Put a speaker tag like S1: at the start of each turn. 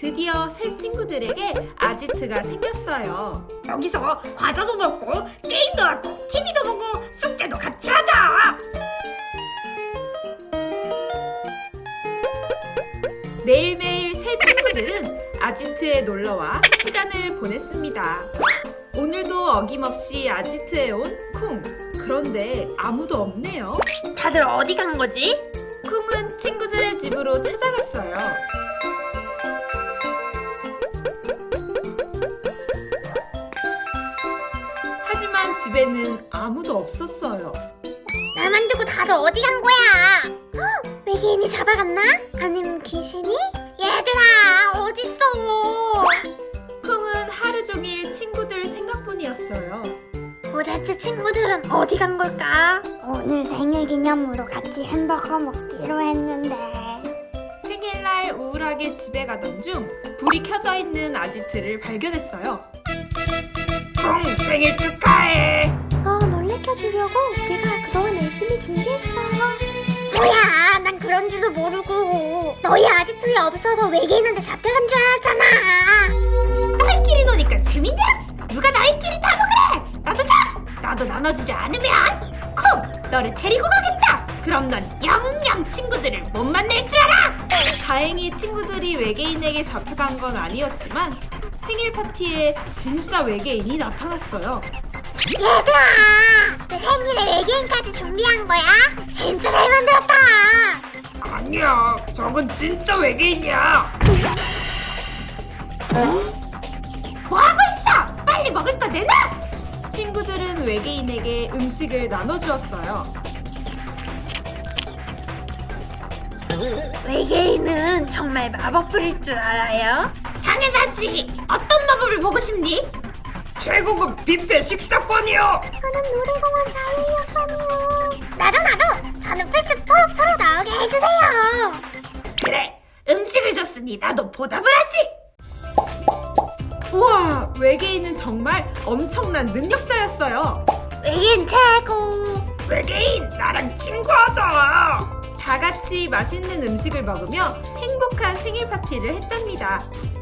S1: 드디어 새 친구들에게 아지트가 생겼어요.
S2: 여기서 과자도 먹고 게임도 하고 TV도 보고 숙제도 같이 하자.
S1: 매일매일 새 친구들은 아지트에 놀러와 시간을 보냈습니다. 오늘도 어김없이 아지트에 온 쿵. 그런데 아무도 없네요.
S2: 다들 어디 간 거지?
S1: 쿵은 친구들의 집으로 찾아갔어요. 하지만 집에는 아무도 없었어요.
S3: 나만 두고 다들 어디 간 거야? 헉, 외계인이 잡아갔나? 아니면 귀신이? 얘들아 어딨어?
S1: 쿵은 하루 종일 친구들 생각뿐이었어요.
S3: 도대체 친구들은 어디 간 걸까? 오늘 생일 기념으로 같이 햄버거 먹기로 했는데.
S1: 생일날 우울하게 집에 가던 중 불이 켜져 있는 아지트를 발견했어요.
S2: 쿵 생일 축하해.
S3: 놀래켜주려고 우리가 그동안 열심히 준비했어. 뭐야, 난 그런 줄도 모르고 너희 아지트에 없어서 외계인한테 잡혀간 줄 알았잖아.
S2: 너희끼리 노니까 재밌냐? 누가 너희끼리 다 먹으래. 나도 줘. 나도 나눠주지 않으면 쿵 너를 데리고 가겠다. 그럼 넌 영영 친구들을 못 만날 줄 알아.
S1: 다행히 친구들이 외계인에게 잡혀간 건 아니었지만 생일 파티에 진짜 외계인이 나타났어요.
S3: 얘들아, 내 생일에 외계인까지 준비한 거야? 진짜 잘 만들었다.
S2: 아니야, 저건 진짜 외계인이야. 뭐하고 있어? 빨리 먹을 거 내놔.
S1: 친구들은 외계인에게 음식을 나눠주었어요.
S2: 외계인은 정말 마법 부릴 줄 알아요? 당연하지. 어떤 마법을 보고 싶니? 최고급 뷔페 식사권이요.
S3: 저는 놀이공원 자유이용권이요. 나도. 저는 플스4 서로 나오게 해주세요.
S2: 그래, 음식을 줬으니 나도 보답을 하지.
S1: 우와, 외계인은 정말 엄청난 능력자였어요.
S3: 외계인 최고.
S2: 외계인, 나랑 친구하자.
S1: 다 같이 맛있는 음식을 먹으며 행복한 생일 파티를 했답니다.